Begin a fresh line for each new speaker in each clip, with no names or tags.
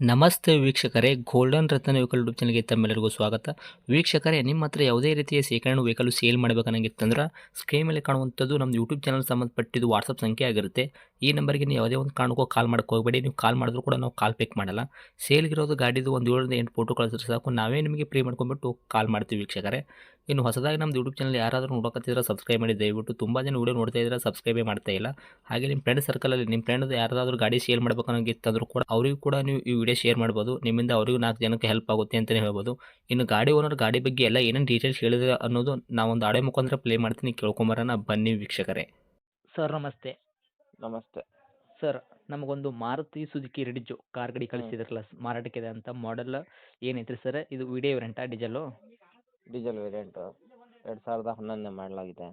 ನಮಸ್ತೆ ವೀಕ್ಷಕರೇ, ಗೋಲ್ಡನ್ ರತ್ನ vehicle YouTube ಚಾನಲ್ಗೆ ತಮ್ಮೆಲ್ಲರಿಗೂ ಸ್ವಾಗತ. ವೀಕ್ಷಕರೇ, ನಿಮ್ಮ ಹತ್ರ ಯಾವುದೇ ರೀತಿಯ ಶೇಖರಣೆ ವೆಹಿಕಲ್ ಸೇಲ್ ಮಾಡಬೇಕನ್ನಂಗಿತ್ತಂದ್ರೆ ಸ್ಕ್ರೀನ್ ಮೇಲೆ ಕಾಣುವಂಥದ್ದು ನಮ್ಮ ಯೂಟ್ಯೂಬ್ ಚಾನಲ್ ಸಂಬಂಧಪಟ್ಟಿದ್ದು ವಾಟ್ಸಪ್ ಸಂಖ್ಯೆ ಆಗಿರುತ್ತೆ. ಈ ನಂಬರ್ಗೆ ನೀವು ಯಾವುದೇ ಒಂದು ಕಾರಣಕ್ಕೂ ಕಾಲ್ ಮಾಡಕ್ಕೆ ಹೋಗಬೇಡಿ. ನೀವು ಕಾಲ್ ಮಾಡಿದ್ರು ಕೂಡ ನಾವು ಕಾಲ್ ಪಿಕ್ ಮಾಡಲ್ಲ. ಸೇಲ್ಗಿರೋದು ಗಾಡಿದು ಒಂದು 7ರಿಂದ 8 ಫೋಟೋ ಕಳಿಸಿದ್ರೆ ಸಾಕು, ನಾವೇ ನಿಮಗೆ ಪ್ರೀ ಮಾಡ್ಕೊಂಡ್ಬಿಟ್ಟು ಕಾಲ್ ಮಾಡ್ತೀವಿ ವೀಕ್ಷಕರೇ. ಇನ್ನು ಹೊಸದಾಗಿ ನಮ್ಮದು ಯೂಟ್ಯೂಬ್ ಚಾನಲ್ ಯಾರಾದರೂ ನೋಡೋಕತ್ತಿದ್ರೆ ಸಬ್ಸ್ಕ್ರೈಬ್ ಮಾಡಿ ದಯವಿಟ್ಟು. ತುಂಬ ಜನ ವೀಡಿಯೋ ನೋಡ್ತಾ ಇದ್ದಾರೆ, ಸಬ್ಸ್ಕ್ರೈಬೇ ಮಾಡ್ತಾ ಇಲ್ಲ. ಹಾಗೆ ನಿಮ್ಮ ಫ್ರೆಂಡ್ ಸರ್ಕಲಲ್ಲಿ ನಿಮ್ಮ ಫ್ರೆಂಡ್ ಯಾರಾದರೂ ಗಾಡಿ ಸೇಲ್ ಮಾಡಬೇಕನ್ನೋಂಗಿತ್ತಂದ್ರೂ ಕೂಡ ಅವರಿಗೂ ಕೂಡ ನೀವು ಈ ವಿಡಿಯೋ ಶೇರ್ ಮಾಡ್ಬೋದು. ನಿಮ್ಮಿಂದ ಅವರಿಗೂ 4 ಜನಕ್ಕೆ ಹೆಲ್ಪ್ ಆಗುತ್ತೆ ಅಂತಲೇ ಹೇಳ್ಬೋದು. ಇನ್ನು ಗಾಡಿ ಓನರ್ ಗಾಡಿ ಬಗ್ಗೆ ಎಲ್ಲ ಏನೇನು ಡೀಟೇಲ್ಸ್ ಹೇಳಿದ್ರೆ ಅನ್ನೋದು ನಾವೊಂದು ಆಡಿಯೋ ಮುಖಾಂತರ ಪ್ಲೇ ಮಾಡ್ತೀನಿ, ಕೇಳ್ಕೊಂಬರೋಣ ಬನ್ನಿ ವೀಕ್ಷಕರೇ. ಸರ್ ನಮಸ್ತೆ.
ನಮಸ್ತೆ.
ಸರ್, ನಮಗೊಂದು ಮಾರುತಿ ಸುಜುಕಿ ರಿಡ್ಜು ಕಾರ್ ಗಾಡಿ ಕಳಿಸಿದ್ರಲ್ಲ ಮಾರಾಟಕ್ಕಿದೆ ಅಂತ, ಮಾಡೆಲ್ ಏನೈತ್ರಿ ಸರ್? ಇದು ವಿಡಿಯೋ ರೆಂಟಾ ಡೀಸೆಲು?
ಡೀಸೆಲ್ ವೇರಿಯಂಟು 2011 ಮಾಡಲಾಗಿದೆ.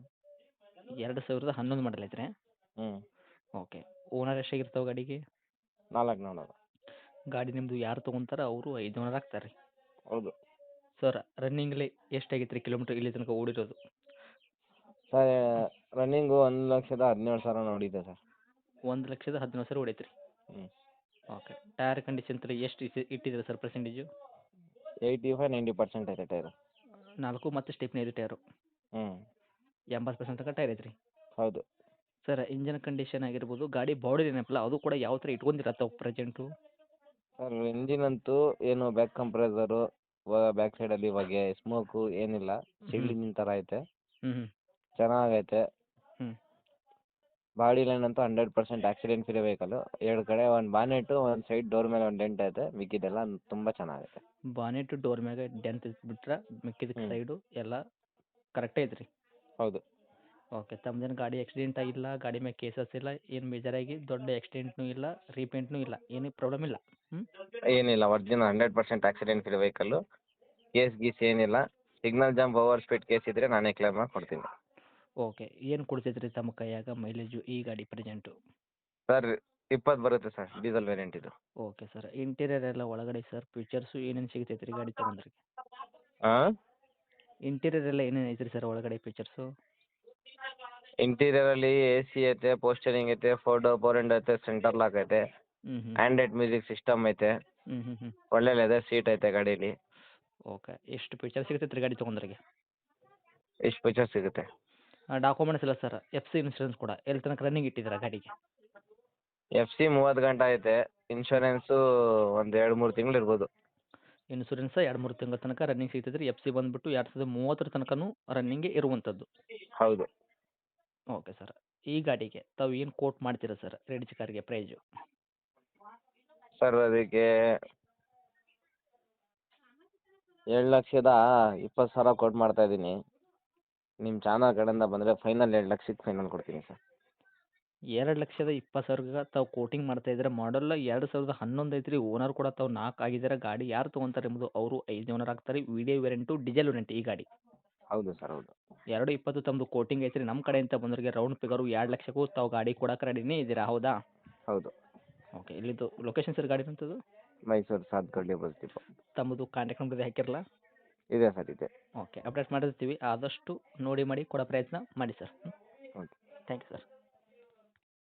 2011 ಮಾಡಲ್ ಐತ್ರಿ?
ಹ್ಞೂ.
ಓಕೆ. ಓನರ್ ಎಷ್ಟಾಗಿರ್ತಾವೆ ಗಾಡಿಗೆ?
400.
ಗಾಡಿ ನಿಮ್ಮದು ಯಾರು ತೊಗೊಂತಾರ ಅವರು 5 ಓನರ್ ಆಗ್ತಾರೆ ರೀ?
ಹೌದು.
ಸರ್, ರನ್ನಿಂಗ್ಲಿ ಎಷ್ಟಾಗೈತೆ ರೀ ಕಿಲೋಮೀಟ್ರ್ ಇಲ್ಲಿ ತನಕ ಓಡಿರೋದು?
ಸರ್, ರನ್ನಿಂಗು 1,17,000 ನೋಡಿದೆ ಸರ್.
1,17,000 ಹೊಡೈತೆ ರೀ?
ಹ್ಞೂ.
ಓಕೆ. ಟೈರ್ ಕಂಡೀಷನ್ ತಲೆ ಎಷ್ಟು ಇಟ್ಟಿದ್ದೀರಾ ಸರ್ ಪರ್ಸೆಂಟೇಜು?
85-90% ಐತೆ ಟೈರು.
4 ಮತ್ತು ಸ್ಟೆಪ್ನಿ ಐದು ಟೈರು?
ಹ್ಞೂ.
80% ತನಕ ಟೈರ್ ಐತ್ರಿ?
ಹೌದು.
ಸರ್, ಇಂಜನ್ ಕಂಡೀಷನ್ ಆಗಿರ್ಬೋದು, ಗಾಡಿ ಬಾಡಿ ಏನಪ್ಪಲ್ಲ ಅದು ಕೂಡ ಯಾವ ಥರ ಇಟ್ಕೊಂಡಿರತ್ತವ ಪ್ರೆಸೆಂಟು?
ಸರ್, ಇಂಜಿನ್ ಅಂತೂ ಏನು ಬ್ಯಾಕ್ ಕಂಪ್ರೆಸರು, ಬ್ಯಾಕ್ ಸೈಡಲ್ಲಿ ಹೊಗೆ, ಸ್ಮೋಕು ಏನಿಲ್ಲ. ಸಿಲ್ ಇಂಜಿನ್ ಥರ ಐತೆ.
ಹ್ಞೂ ಹ್ಞೂ
ಚೆನ್ನಾಗೈತೆ.
ಹ್ಞೂ.
ಬಾಡಿ ಲೈನ್ ಅಂತೂ 100% ಆಕ್ಸಿಡೆಂಟ್ ಫ್ರೀ ವೆಹಿಕಲ್ಲು. 2 ಕಡೆ ಒಂದು ಬಾನೆಟು, ಒಂದು ಸೈಡ್ ಡೋರ್ ಮೇಲೆ ಒಂದು ಡೆಂಟ್ ಐತೆ. ಮಿಕ್ಕಿದ್ದೆಲ್ಲ ತುಂಬ ಚೆನ್ನಾಗೈತೆ.
ಬಾನೆಟ್ ಡೋರ್ ಮ್ಯಾಗ ಡೆಂತ್ ಬಿಟ್ರೆ ಮಿಕ್ಕಿದ ಸೈಡು ಎಲ್ಲ ಕರೆಕ್ಟೇ ಐತ್ರಿ?
ಹೌದು.
ಓಕೆ. ತಮ್ಮದೇನು ಗಾಡಿ ಆಕ್ಸಿಡೆಂಟ್ ಆಗಿಲ್ಲ, ಗಾಡಿ ಮ್ಯಾಗ ಕೇಸಸ್ ಇಲ್ಲ, ಏನು ಮೇಜರಾಗಿ ದೊಡ್ಡ ಆಕ್ಸಿಡೆಂಟ್ನೂ ಇಲ್ಲ, ರೀಪೇಂಟ್ನೂ ಇಲ್ಲ, ಏನೂ ಪ್ರಾಬ್ಲಮ್ ಇಲ್ಲ? ಹ್ಞೂ.
ಏನಿಲ್ಲ, original 100% accident free vehicle. Case ಗೀಸ್ ಏನಿಲ್ಲ. Signal jump over speed case ಇದ್ದರೆ ನಾನೇ ಕ್ಲೇಮ್ ಮಾಡಿ ಕೊಡ್ತೀನಿ.
ಓಕೆ. ಏನು ಕೊಡ್ತೈತೆ ರೀ ತಮ್ಮ ಕೈಯಾಗ ಮೈಲೇಜು ಈ ಗಾಡಿ ಪ್ರೆಸೆಂಟು?
ಸರ್, 20 ಬರುತ್ತೆ ಸರ್, ಡೀಸೆಲ್ ವೇರಿಯಂಟ್ ಇದು.
Okay sir. ಇಂಟೀರಿಯರ್ ಎಲ್ಲ ಒಳಗಡೆ ಸರ್ ಫೀಚರ್ಸು ಏನೇನು ಸಿಗ್ತೈತೆ ರೀ ಗಾಡಿ ತೊಗೊಂಡ್ರೆ?
ಹಾಂ.
ಇಂಟೀರಿಯರ್ ಎಲ್ಲ ಏನೇನು ಐತ್ರಿ ಸರ್ ಒಳಗಡೆ ಫೀಚರ್ಸು?
ಇಂಟೀರಿಯರಲ್ಲಿ AC ಐತೆ, ಪೋಸ್ಟರಿಂಗ್ ಐತೆ, 4 ವಿಂಡೋ ಐತೆ, ಸೆಂಟರ್ ಲಾಕ್ ಐತೆ,
ಹ್ಞೂ ಹ್ಞೂ
ಆ್ಯಂಡ್ರಾಯ್ಡ್ ಮ್ಯೂಸಿಕ್ ಸಿಸ್ಟಮ್ ಐತೆ,
ಹ್ಞೂ ಹ್ಞೂ ಹ್ಞೂ.
ಒಳ್ಳೆ ಲೆದರ್ ಸೀಟ್ ಐತೆ ಗಾಡೀಲಿ.
ಓಕೆ. ಎಷ್ಟು ಫೀಚರ್ ಸಿಗ್ತೈತೆ ರೀ ಗಾಡಿ ತೊಗೊಂಡ್ರಿಗೆ?
ಇಷ್ಟು ಫೀಚರ್ ಸಿಗುತ್ತೆ.
ಡಾಕ್ಯುಮೆಂಟ್ಸ್ ಇಲ್ಲ ಸರ್, FC ಇನ್ಶೂರೆನ್ಸ್ ಕೂಡ ಎಲ್ಲಿ ತನಕ ರನ್ನಿಂಗ್ ಇಟ್ಟಿದ್ದೀರಾ ಗಾಡಿಗೆ?
FC 30 ಗಂಟೆ ಐತೆ. ಇನ್ಶೂರೆನ್ಸು ಒಂದು 2-3 ತಿಂಗಳು ಇರ್ಬೋದು.
ಇನ್ಶೂರೆನ್ಸ್ 2-3 ತಿಂಗಳ ತನಕ ರನ್ನಿಂಗ್ ಸಿಗ್ತೈತೆ ರೀ. FC ಬಂದುಬಿಟ್ಟು 2030 ತನಕನೂ ರನ್ನಿಂಗೇ ಇರುವಂಥದ್ದು?
ಹೌದು.
Okay sir. ಈ ಗಾಡಿಗೆ ತಾವು ಏನು ಕೋಟ್ ಮಾಡ್ತೀರಾ ಸರ್ ರೆಡ್ಜ್ ಕಾರ್ಗೆ ಪ್ರೈಜು?
ಸರ್, ಅದಕ್ಕೆ 7,20,000 ಕೊಟ್ಟು ಮಾಡ್ತಾ ಇದ್ದೀನಿ. ನಿಮ್ಮ ಚಾನಲ್ ಕಡೆಯಿಂದ ಬಂದರೆ ಫೈನಲ್ 2,00,000ಕ್ಕೆ ಫೈನಲ್ ಕೊಡ್ತೀನಿ ಸರ್.
2,20,000 ತಾವು ಕೋಟಿಂಗ್ ಮಾಡ್ತಾ ಇದ್ದಾರೆ. ಮಾಡಲ್ 2011 ಐತ್ರಿ. ಓನರ್ ಕೂಡ ತಾವು 4 ಆಗಿದ್ದಾರೆ. ಗಾಡಿ ಯಾರು ತೊಗೊಂತಾರೆ ಎಂಬುದು ಅವರು 5 ಓನರ್ ಆಗ್ತಾರೆ. ವಿಡಿಯೋ ವೇರಿಯಂಟು ಡೀಸೆಲ್ ವೇರಿಯಂಟ್ ಈ ಗಾಡಿ?
ಹೌದು ಸರ್, ಹೌದು.
2,20 ತಮ್ಮದು ಕೋಟಿಂಗ್ ಐತ್ರಿ. ನಮ್ಮ ಕಡೆಯಿಂದ ಬಂದವರಿಗೆ ರೌಂಡ್ ಫಿಗರು 2,00,000ಕ್ಕೂ ತಾವು ಗಾಡಿ ಕೊಡಕ್ಕೆ ರೆಡಿನೇ ಇದ್ದೀರಾ, ಹೌದಾ?
ಹೌದು.
ಓಕೆ. ಇಲ್ಲಿದ್ದು ಲೊಕೇಶನ್ ಸರ್ ಗಾಡಿ ನಿಂತದ್ದು?
Mysuru Sathagalli bus depot.
ತಮ್ಮದು ಕಾಂಟ್ಯಾಕ್ಟ್ ನಂಬರ್ ಹಾಕಿರಲ್ಲ?
ಇದೆ ಸರ್, ಇದೆ.
ಓಕೆ. ಅಪ್ಡೇಟ್ ಮಾಡಿರ್ತೀವಿ. ಆದಷ್ಟು ನೋಡಿ ಮಾಡಿ ಕೊಡೋ ಪ್ರಯತ್ನ ಮಾಡಿ sir.
Okay.
Thank you sir.